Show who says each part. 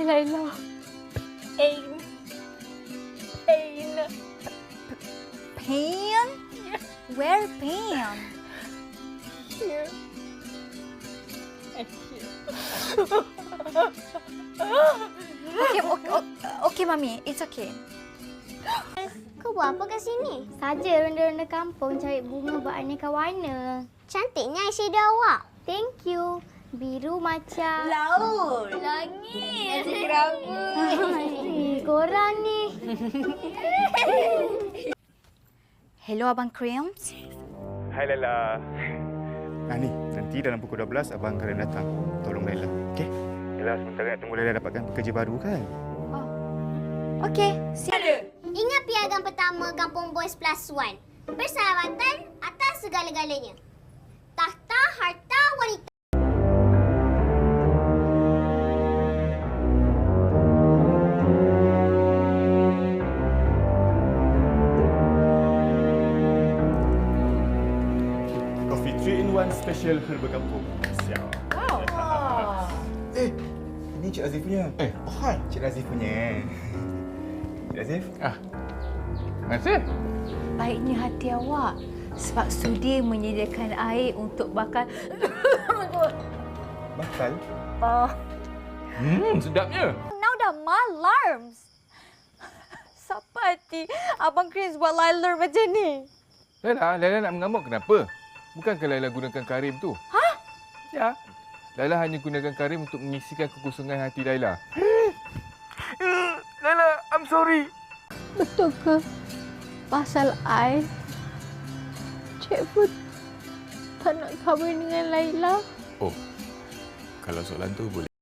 Speaker 1: Laila.
Speaker 2: Pain. Pain.
Speaker 1: Pain? Where pain?
Speaker 2: Here. And here.
Speaker 1: Okay, Mami. It's okay.
Speaker 3: Kau buat apa kat sini?
Speaker 4: Saja ronda-ronda kampung cari bunga beraneka warna.
Speaker 3: Cantiknya eyeshadow awak.
Speaker 4: Thank you. Biru macam...
Speaker 2: Laut.
Speaker 4: Langit.
Speaker 2: Rambut.
Speaker 4: Korang ni.
Speaker 1: Hello, Abang Creams.
Speaker 5: Hai Laila. Ni, nanti dalam pukul 12 Abang akan datang. Tolong Laila, okey? Yalah, sementara nak tunggu Laila dapatkan pekerja baru kan?
Speaker 1: Okay.
Speaker 3: Ingat piagam pertama Kampung Boys Plus One. Persahabatan atas segala-galanya. Tahta harta wanita.
Speaker 5: Coffee 3-in-1 special herba kampung. Siap.
Speaker 2: Wow.
Speaker 5: Ini Cik Azif punya. Hai, Cik Azif punya. Cik Azif?
Speaker 6: Terima kasih.
Speaker 2: Baiknya hati awak sebab sudi menyediakan air untuk bakal.
Speaker 5: Bakal?
Speaker 6: Sedapnya.
Speaker 1: Now dah malarms. Siapa hati Abang Creams buat Laila macam ni?
Speaker 6: Laila nak mengamuk kenapa? Bukankah Laila gunakan karim tu?
Speaker 1: Hah?
Speaker 6: Ya. Laila hanya gunakan karim untuk mengisikan kekosongan hati Laila. Laila, I'm sorry.
Speaker 4: Betul ke? Pasal I, Cik pun tak nak kahwin dengan Laila.
Speaker 6: Oh, kalau soalan tu boleh.